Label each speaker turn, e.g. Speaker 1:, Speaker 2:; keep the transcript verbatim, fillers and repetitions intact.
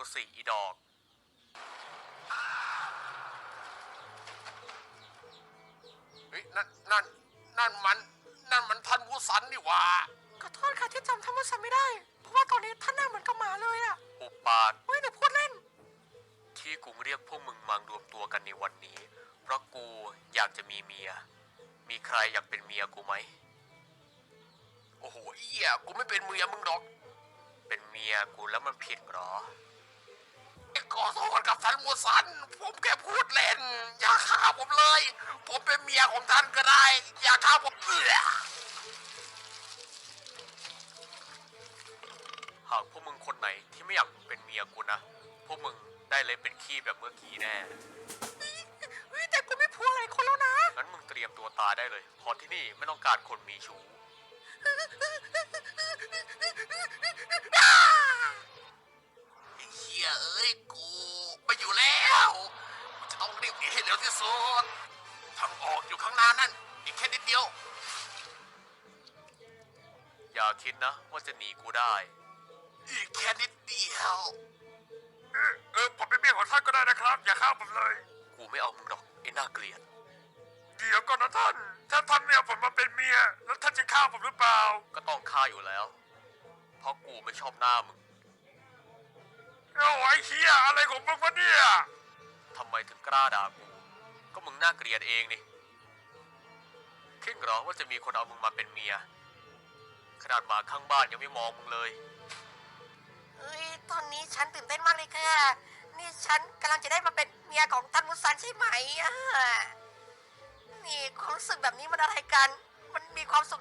Speaker 1: กูสิอีดอกเฮ้ยนั่นนั่นนั่นมันนั่นมันท่านมูสันนี่หว่า
Speaker 2: ขอโทษค่ะที่จำท่านมูสันไม่ได้เพราะว่าตอนนี้ท่านหน้าเหมือนกับหมาเลยอะ
Speaker 1: อุปาท
Speaker 2: เฮ้ยเดี๋ยวพูดเล่น
Speaker 1: ที่กูเรียกพวกมึงมารวมตัวกันในวันนี้เพราะกูอยากจะมีเมียมีใครอยากเป็นเมียกูไหมโอ้โหเอี้ยกูไม่เป็นเมียมึงหรอกเป็นเมียกูแล้วมันผิดหรอขอโทษกับท่านมูสันผมแค่พูดเล่นอย่าฆ่าผมเลยผมเป็นเมียของท่านก็ได้อย่าฆ่าผมเอื้อหากพวกมึงคนไหนที่ไม่อยากเป็นเมียกูนะพวกมึงได้เลยเป็นขี้แบบเมื่อกี้แน่
Speaker 2: เฮ้ยแต่กูไม่พูดอะไรคนแล้วนะ
Speaker 1: งั้นมึงเตรียมตัวตายได้เลยเพราะที่นี่ไม่ต้องการคนมีชู้ไอ้เหี้ยเอ้ยกูไม่อยู่แล้วกูจะต้องรีบหนีให้เร็วที่สุดทางออกอยู่ข้างหน้านั่นอีกแค่นิดเดียวอย่าคิดนะว่าจะหนีกูได้อีกแค่นิดเดียวเออเออผมเป็นเมียของท่านก็ได้นะครับอย่าฆ่าผมเลยกูไม่เอามึงหรอกไอ้น่าเกลียดเดี๋ยวก่อนนะท่านถ้าท่านไม่เอาผมมาเป็นเมียแล้วท่านจะฆ่าผมหรือเปล่าก็ต้องฆ่าอยู่แล้วเพราะกูไม่ชอบหน้ามึงเอาไอ้เหี้ยอะไรของมึงวะเนี่ยทำไมถึงกล้าด่ากูก็มึงน่าเกลียดเองนี่คิดเหรอว่าจะมีคนเอามึงมาเป็นเมียขนาดหมาข้างบ้านยังไม่มองมึงเลย
Speaker 2: เฮ้ยตอนนี้ฉันตื่นเต้นมากเลยค่ะนี่ฉันกำลังจะได้มาเป็นเมียของท่านมูสันใช่ไหมอ่ะนี่ความรู้สึกแบบนี้มันอะไรกันมันมีความสุข